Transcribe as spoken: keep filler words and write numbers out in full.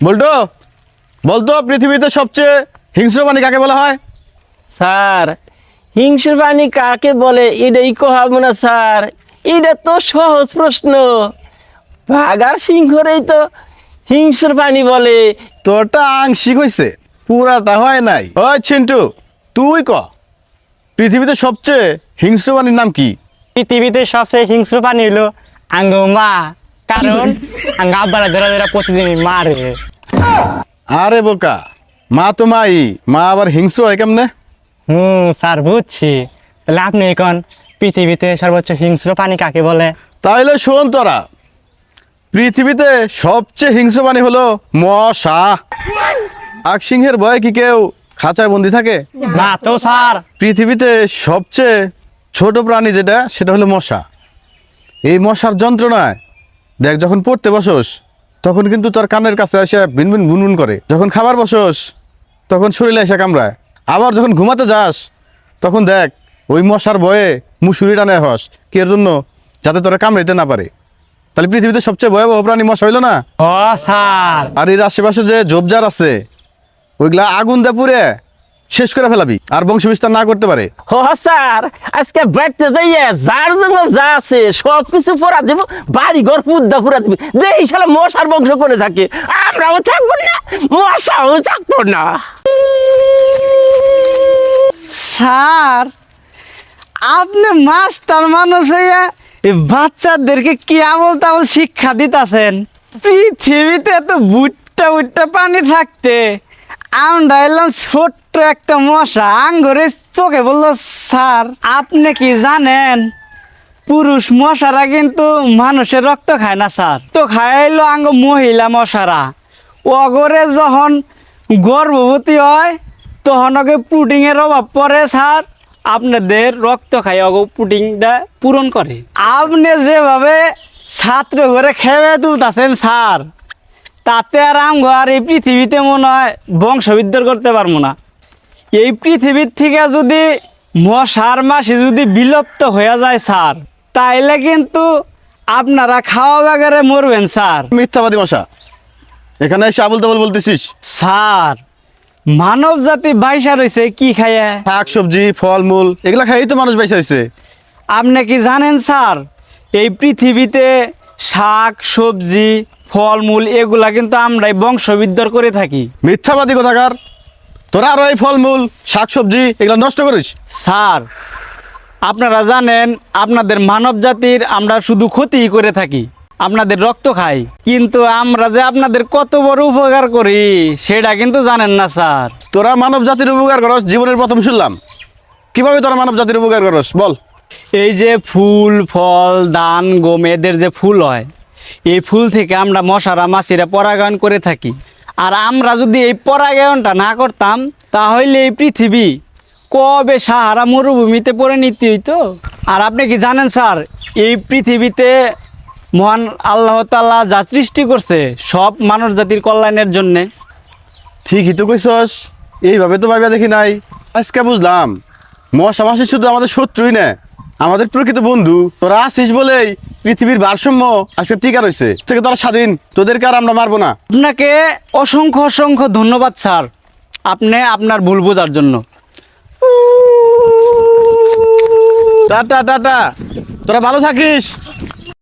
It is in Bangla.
বল্টু বলতো পৃথিবীতে সবচেয়ে হিংস্র প্রাণী কাকে বলা হয়? স্যার হিংস্র প্রাণী কাকে বলে এটাই কহাবো না স্যার, এটা তো সহজ প্রশ্ন। বাঘ আর সিংহরেই তো হিংস্র প্রাণী বলে। তোরটা আংশিক হয়েছে, পুরাটা হয় নাই। ওই চিন্টু, তুই ক পৃথিবীতে সবচেয়ে হিংস্র প্রাণীর নাম কি? পৃথিবীতে সবচেয়ে হিংস্র প্রাণী হলো আঙ্গ মা, কারণ আঙ্গ আব্বারা ধরা ধরা প্রতিদিনই মারে। আরে বোকা, মা তো মাই, মা আবার হিংস্র হয় কেমনে? হুম স্যার বুঝছি। তাহলে আপনি এখন পৃথিবীতে সর্বোচ্চ হিংস্র প্রাণী কাকে বলে? তাইলে শোন তোরা, পৃথিবীতে সবচেয়ে হিংস্র প্রাণী হলো মশা। বাঘ সিংহের ভয়ে কি কেউ খাঁচায় বন্দি থাকে? না তো স্যার। পৃথিবীতে সবচেয়ে ছোট প্রাণী যেটা, সেটা হলো মশা। এই মশার যন্ত্রণায় দেখ, যখন পড়তে বসোস তখন কিন্তু তোর কানের কাছে এসে ভিনভিন বুনবুন করে, যখন খাবার বসোস তখন শরীরে এসে কামড়ায়, আবার যখন ঘুমাতে যাস তখন দেখ ওই মশার ভয়ে মুসুরি টানে হস, কি এর জন্য? যাতে তোরা কামড়াইতে না পারে। তাহলে পৃথিবীতে সবচেয়ে ভয়াবহ প্রাণী মশা হইলো না? ও স্যার। আর এর আশেপাশে যে ঝোপঝাড় আছে ওইগুলা আগুন দিয়ে পুড়ে শেষ করে ফেলাবি, আর বংশ বিস্তার না করতে পারে। হ স্যার, আজকে বাড়তে যাইয়া যার জঙ্গল যা আছে সব কিছু পড়া দেব, বাড়ি ঘর পুদ্দা পুরা দেবে, যে এই সালে মশার বংশ করে থাকে, আমরাও থাকবো না, মশাও থাকবো না। স্যার, আপনি মাস্টার মানুষ হইয়া এই বাচ্চাদেরকে কি আমল তামল শিক্ষা দিতেছেন? পৃথিবীতে এত বুট্টা বুট্টা পানি থাকতে আমরা এলাম ছোট্ট একটা মশা আঙ্গরে চোখে বললো। স্যার, আপনি কি জানেন পুরুষ মশারা কিন্তু মানুষের রক্ত খায় না স্যার, তো খাইলো আঙ্গ মহিলা মশারা। অগরে যখন গর্ভবতী হয় তখন ওকে প্রোটিনের অভাব পড়ে স্যার, আপনাদের রক্ত খাই অগ প্রোটিনটা পূরণ করে। আপনি যেভাবে ছাত্র করে খেয়ে তুলতেছেন স্যার, তাতে আর আমগো আর এই পৃথিবীতে মনে হয় বংশবিদ্ধার করতে পারবো না। এই পৃথিবীর থেকে যদি মশার মাসি যদি বিলুপ্ত হয়ে যায় স্যার, তাইলে কিন্তু আপনারা খাওয়া বাগারে মরবেন স্যার। মিথ্যাবাদী মশা, এখানে এসে আবুল তাবুল বলতেছিস। স্যার, মানব জাতি বাইসা রয়েছে কি খাইয়া? শাক সবজি ফলমূল এগুলা খাইই তো মানুষ বেঁচে হয়েছে। আপনি কি জানেন স্যার, এই পৃথিবীতে শাক সবজি ফলমূল এগুলা কিন্তু আমরাই বংশবিদ্ধার করে থাকি। মিথ্যাবাদী কোথাকার, তোরা আরো এই ফলমূল শাক সবজি এগুলো নষ্ট করিস। স্যার, আপনারা জানেন আপনাদের মানব জাতির আমরা শুধু ক্ষতিই করে থাকি, আপনাদের রক্ত খাই, কিন্তু আমরা যে আপনাদের কত বড় উপকার করি সেটা কিন্তু জানেন না স্যার। তোরা মানব জাতির উপকার করস, জীবনের প্রথম শুনলাম। কিভাবে তোরা মানব জাতির উপকার করস বল? এই যে ফুল ফল ধান গম এদের যে ফুল হয়, এই ফুল থেকে আমরা মশারা মাছিরা পরাগায়ন করে থাকি। আর আমরা যদি এই পরাগায়নটা না করতাম তাহলে এই পৃথিবী কবে সাহারা মরুভূমিতে পরিণত হইতো। আর আপনি কি জানেন স্যার, এই পৃথিবীতে মহান আল্লাহ তাআলা যা সৃষ্টি করছে সব মানব জাতির কল্যাণের জন্যে। ঠিকই তো কইছস, এইভাবে তো ভাবিয়া দেখি নাই। আজকে বুঝলাম মশা মাসি শুধু আমাদের শত্রুই না, আমাদের প্রকৃত বন্ধু। তোরা আসিস বলেই পৃথিবীর ভারসাম্য আজকে টিকা রয়েছে, থেকে তোরা স্বাধীন, তোদেরকে আর আমরা মারবো না। আপনাকে অসংখ্য অসংখ্য ধন্যবাদ স্যার, আপনি আপনার ভুল বোঝার জন্য। টাটা টাটা, তোরা ভালো থাকিস।